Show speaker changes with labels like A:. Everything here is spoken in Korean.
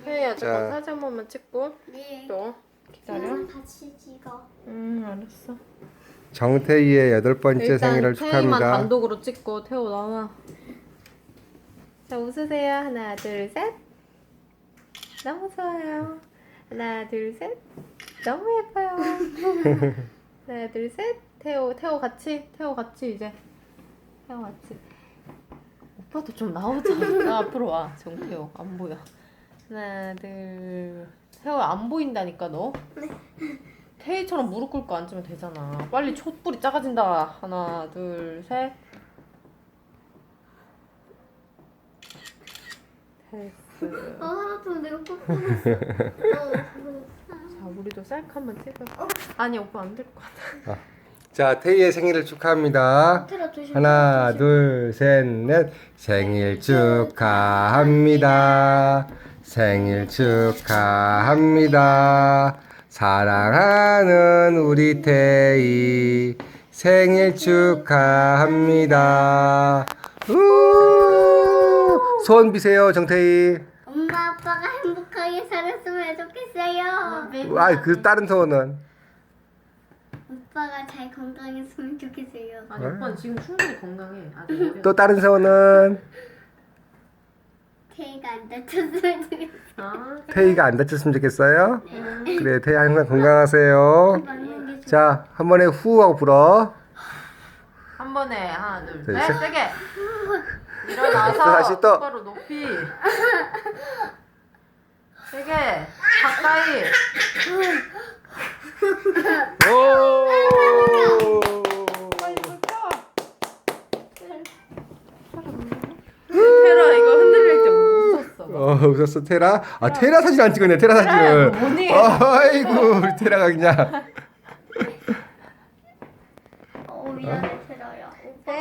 A: 태희야
B: 자.
A: 잠깐 사진 한 번만 찍고
C: 네.
A: 또 기다려.
C: 같이 찍어.
A: 알았어.
B: 정태희의 8번째
A: 일단
B: 생일을
A: 태희만
B: 축하합니다.
A: 단독으로 찍고 태호 나와. 자 웃으세요. 하나 둘 셋. 너무 좋아요. 하나 둘 셋. 너무 예뻐요. 하나 둘 셋. 태호 같이 이제 태호 같이. 오빠도 좀 나오자. 나 앞으로 와. 정태호 안 보여. 하나 둘. 태호 안 보인다니까 너. 태희처럼 무릎 꿇고 앉으면 되잖아. 빨리 촛불이 작아진다. 하나 둘 셋. 됐어.
C: 하나도 내가 꼭 보냈어.
A: 자 우리도 셀카 한번 찍어. 아니 오빠 안 될 것 같아.
B: 자, 태희의 생일을 축하합니다. 하나, 둘, 셋, 넷. 생일 축하합니다. 생일 축하합니다. 사랑하는 우리 태희 생일 축하합니다. 소원 비세요, 정태희.
C: 엄마 아빠가 행복하게 살았으면 좋겠어요.
B: 아, 그 다른 소원은?
C: 오빠가 잘 건강했으면 좋겠어요.
A: 아니 오빠는 지금 충분히 건강해. 아직 어려.
B: 또 다른 소원은?
C: 태희가 안 다쳤으면 좋겠어요.
A: 아,
B: 태희가 안 다쳤으면 좋겠어요? 그래, 태희 항상 건강하세요.
C: 맞는 게
B: 자, 한 번에 후 하고 불어.
A: 한 번에 하나 둘
B: 둘,
A: 셋.
B: 셋.
A: 세게. 일어나서
B: 또 다시 또.
A: 똑바로 높이. 세게. 가까이.
B: 오!
A: 테라 이거 흔들릴 때 웃었어.
B: 웃었어, 테라? 아, 테라 사진 안 찍었네, 테라 사진을.
A: 뭐니?
B: 아이고, 우리 테라가 그냥.